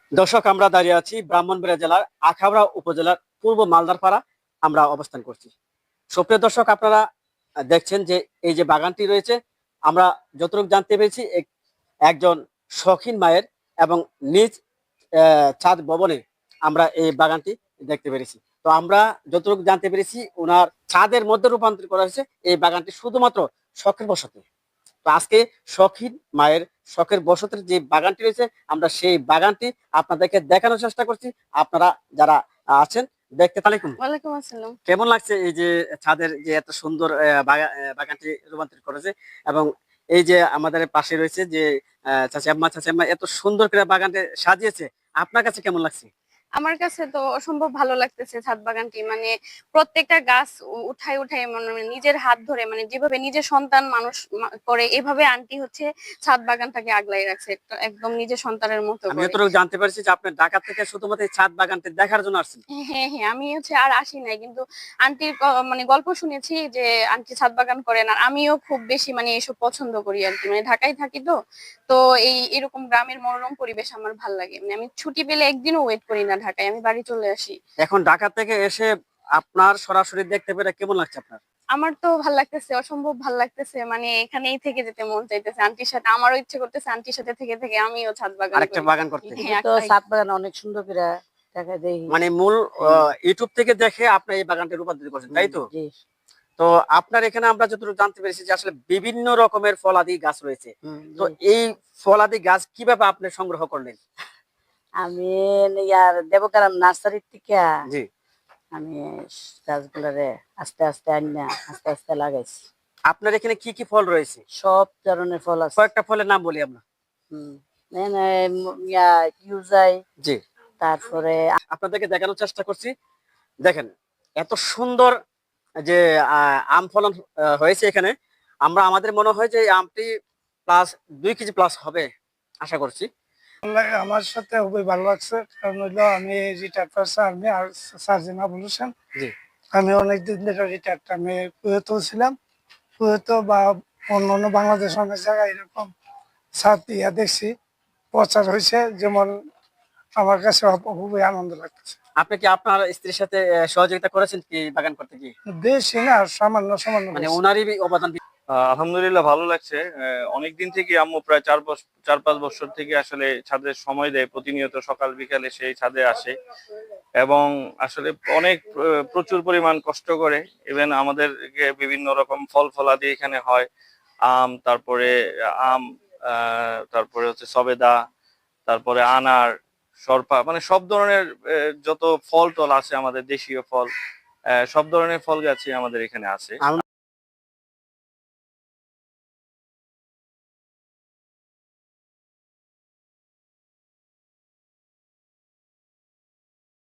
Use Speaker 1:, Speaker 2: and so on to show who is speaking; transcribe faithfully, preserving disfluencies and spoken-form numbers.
Speaker 1: দর্শক, আমরা দাঁড়িয়ে আছি ব্রাহ্মণবাড়িয়া জেলার আখাউড়া উপজেলার পূর্ব মালদারপাড়া। আমরা অবস্থান করছি। সুপ্রিয় দর্শক, আপনারা দেখছেন যে এই যে বাগানটি রয়েছে, আমরা যতটুকু জানতে পেরেছি এক- একজন শৌখিন মায়ের এবং নিজ আহ, ছাদ ভবনে আমরা এই বাগানটি দেখতে পেরেছি। তো আমরা যতটুকু জানতে পেরেছি, ওনার ছাদের মধ্যে রূপান্তর করা হয়েছে এই বাগানটি শুধুমাত্র শখের বশতে। তো আজকে শখিন মায়ের শখের বসতের যে বাগানটি রয়েছে, আমরা সেই বাগানটি আপনাদেরকে দেখানোর চেষ্টা করছি। আপনারা যারা আছেন দেখতে তালিকুম,
Speaker 2: ওয়ালাইকুম আসসালাম।
Speaker 1: কেমন লাগছে এই যে ছাদের যে এত সুন্দর আহ, বাগা- আহ, বাগানটি রূপান্তরিত করেছে, এবং এই যে আমাদের পাশে রয়েছে যে আহ, চাচি আম্মা চাচি আম্মা এত সুন্দর করে বাগানটি সাজিয়েছে, আপনার কাছে কেমন লাগছে?
Speaker 2: আমার কাছে তো অসম্ভব ভালো লাগতেছে ছাদ বাগানটি, মানে প্রত্যেকটা গাছ উ- উঠাই উঠাই মানে নিজের হাত ধরে, মানে যেভাবে নিজের সন্তান মানুষ মা- করে এভাবে আন্টি হচ্ছে ছাদ বাগানটাকে আগলাই রাখছে, একটা একদম নিজের সন্তানের মতো
Speaker 1: আমি
Speaker 2: করে।
Speaker 1: যতটুকু জানতে পারছি যে আপনি ঢাকা থেকে শুধুমাত্র এই ছাদ বাগানটি দেখার জন্য আসছেন।
Speaker 2: হ্যাঁ হ্যাঁ, আমি হচ্ছে আর আসি নাই, কিন্তু আন্টির ক- মানে গল্প শুনেছি যে আন্টি ছাদ বাগান করেন, আর আমিও খুব বেশি মানে এসব পছন্দ করি আর কি, মানে ঢাকায় থাকি তো। তো এই এরকম গ্রামের মনোরম পরিবেশ আমার ভাল লাগে, মানে আমি ছুটি পেলে একদিনও ওয়েট করি না ঢাকায়, আমি বাড়ি চলে আসি।
Speaker 1: এখন ঢাকা থেকে এসে আপনার সরাসরি দেখতে পেরে কেমন লাগছে আপনার?
Speaker 2: আমার তো ভাল লাগতেছে, অসম্ভব ভাল লাগতেছে, মানে এখানেই থেকে যেতে মন চাইতেছে আন্টির সাথে, আমারও ইচ্ছে করতেছে আন্টির সাথে থেকে থেকে আমিও ছাদ বাগান
Speaker 1: আরেকটা
Speaker 2: করি।
Speaker 1: বাগান করতে,
Speaker 2: হ্যাঁ
Speaker 3: তো
Speaker 2: একটাই।
Speaker 3: ছাদ বাগান অনেক সুন্দর করে দেখা যায়।
Speaker 1: মানে মূল
Speaker 3: হুম,
Speaker 1: আহ, ইউটিউব থেকে দেখে আপনি এই বাগানটি রূপান্তরিত করছেন,
Speaker 3: হুম,
Speaker 1: তাই তো?
Speaker 3: জি।
Speaker 1: তো আপনার এখানে আমরা যতটুকু জানতে পেরেছি যে আসলে বিভিন্ন রকমের ফলাদি গাছ রয়েছে।
Speaker 3: হুম,
Speaker 1: তো
Speaker 3: জি।
Speaker 1: এই ফলাদি গাছ কিভাবে আপনি সংগ্রহ করলেন?
Speaker 3: আমি ইয়ার দেবকারাম নার্সারির থেকে
Speaker 1: জি।
Speaker 3: আমি গাছগুলারে আস্তে আস্তে আনিনা আস্তে আস্তে লাগাইছি।
Speaker 1: আপনার এখানে কি কি ফল রয়েছে?
Speaker 3: সব ধরনের ফল আছে।
Speaker 1: কয়েকটা ফলের নাম বলি আমরা।
Speaker 3: হুম, এখানে ম- ইয়া ইউজাই,
Speaker 1: জি।
Speaker 3: তারপরে
Speaker 1: আপনাদেরকে দেখানোর চেষ্টা করছি। দেখেন, এত সুন্দর যে আহ, আম ফলন আহ, হয়েছে এখানে। আমরা আমাদের মনে হয় যে এই আমটি প্লাস দুই কেজি প্লাস হবে, আশা করছি।
Speaker 4: লাগে আমার সাথে খুবই ভালো লাগছে, কারণ হইলো আমি রিটায়ার্ড পারছি আর্মি আর সার্জন বলেছেন।
Speaker 1: জি।
Speaker 4: আমি অনেকদিন ধরে রিটায়ার্ড, আমি কুয়েত ছিলাম। কুয়েত বা অন্য অন্য বাংলাদেশ অনেক জায়গায় এরকম ছাদ ইয়া দেখছি, প্রচার হয়েছে, যেমন আমার কাছে খুবই আনন্দ লাগতেছে।
Speaker 1: আপনি কি আপনার স্ত্রীর সাথে আহ, সহযোগিতা করেছেন কি বাগান করতে গিয়ে?
Speaker 4: বেশি না, সামান্য সামান্য
Speaker 1: মানে
Speaker 4: করছি।
Speaker 1: ওনারই অবদান।
Speaker 5: আহ, আলহামদুলিল্লাহ ভালো লাগছে। অনেক দিন থেকে আম্মু প্রায় চার বছর চার পাঁচ বছর থেকে আসলে ছাদে সময় দেয়, প্রতিনিয়ত সকাল বিকালে সেই ছাদে আসে এবং আসলে অনেক আহ, প্রচুর পরিমাণ কষ্ট করে। ইভেন আমাদের বিভিন্ন রকম ফল ফলাদি এখানে হয়, আম, তারপরে আম, আহ, তারপরে হচ্ছে সবেদা, তারপরে আনার, শর্পা, মানে সব ধরনের আহ, যত ফল টল আছে আমাদের দেশীয় ফল, আহ, সব ধরনের ফল গাছই আমাদের এখানে আছে।